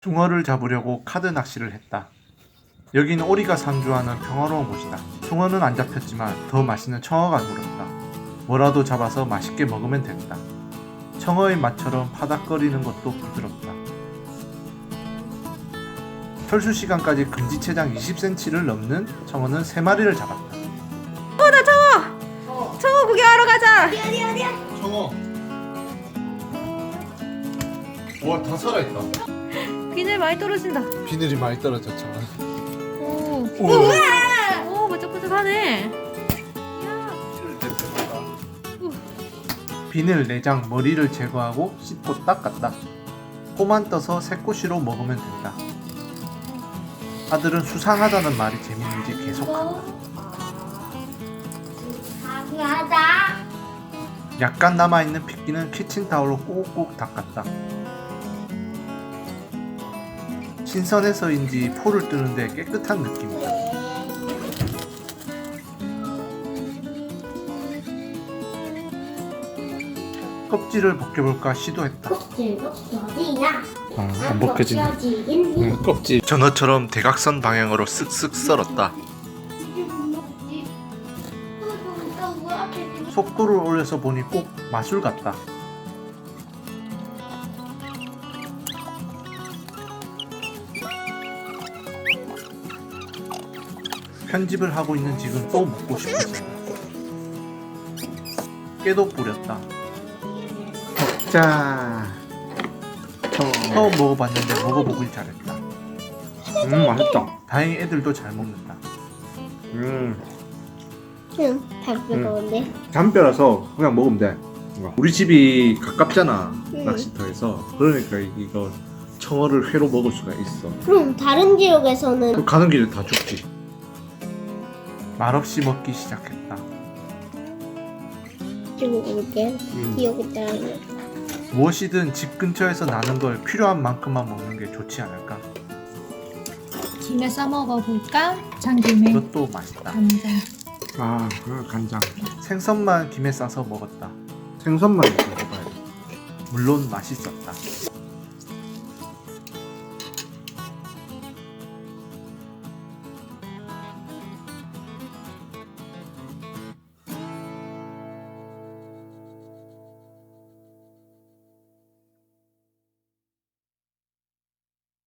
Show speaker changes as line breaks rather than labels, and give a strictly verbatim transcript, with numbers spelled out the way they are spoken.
숭어를 잡으려고 카드 낚시를 했다. 여긴 오리가 상주하는 평화로운 곳이다. 숭어는 안 잡혔지만 더 맛있는 청어가 물었다. 뭐라도 잡아서 맛있게 먹으면 된다. 청어의 맛처럼 파닥거리는 것도 부드럽다. 철수 시간까지 금지체장 이십 센티미터를 넘는 청어는 세 마리를 잡았다.
어, 나 청어! 청어 구경하러 가자!
어디 어디 어디야?
청어. 와, 다 살아있다.
비늘 많이 떨어진다.
비늘이 많이 떨어져, 청어.
오,
우와.
오, 번쩍번쩍하네.
비늘, 내장, 머리를 제거하고 씻고 닦았다. 포만 떠서 새꼬시로 먹으면 된다. 아들은 수상하다는 말이 재밌는지 계속한다.
강하다.
약간 남아있는 핏기는 키친타올로 꾹꾹 닦았다. 신선해서인지 포를 뜨는데 깨끗한 느낌이다. 껍질을 벗겨볼까 시도했다.
껍질 벗겨지나?
아, 안 벗겨지네.
벗겨지긴 해.
응, 껍질. 전어처럼 대각선 방향으로 쓱쓱 썰었다. 속도를 올려서 보니 꼭 마술 같다. 편집을 하고 있는 지금 또 먹고 싶었다. 깨도 뿌렸다.
자,
처음 먹어봤는데 먹어보길 잘했다.
음 맛있다.
다행히 애들도 잘 먹는다.
음
응, 다 뜨거운데.
담벼라서 그냥 먹으면 돼. 우리 집이 가깝잖아,
응.
낚시터에서. 그러니까 이거 청어를 회로 먹을 수가 있어.
그럼 다른 지역에서는
그 가는 길에 다 죽지.
말없이 먹기 시작했다.
찍어볼게.
음.
기억이 잘 안 나.
무엇이든 집 근처에서 나는 걸 필요한 만큼만 먹는 게 좋지 않을까?
김에 싸 먹어볼까? 참김에
이것도 맛있다.
간장.
아, 그 간장.
생선만 김에 싸서 먹었다.
생선만 있어 먹어야 돼.
물론 맛있었다.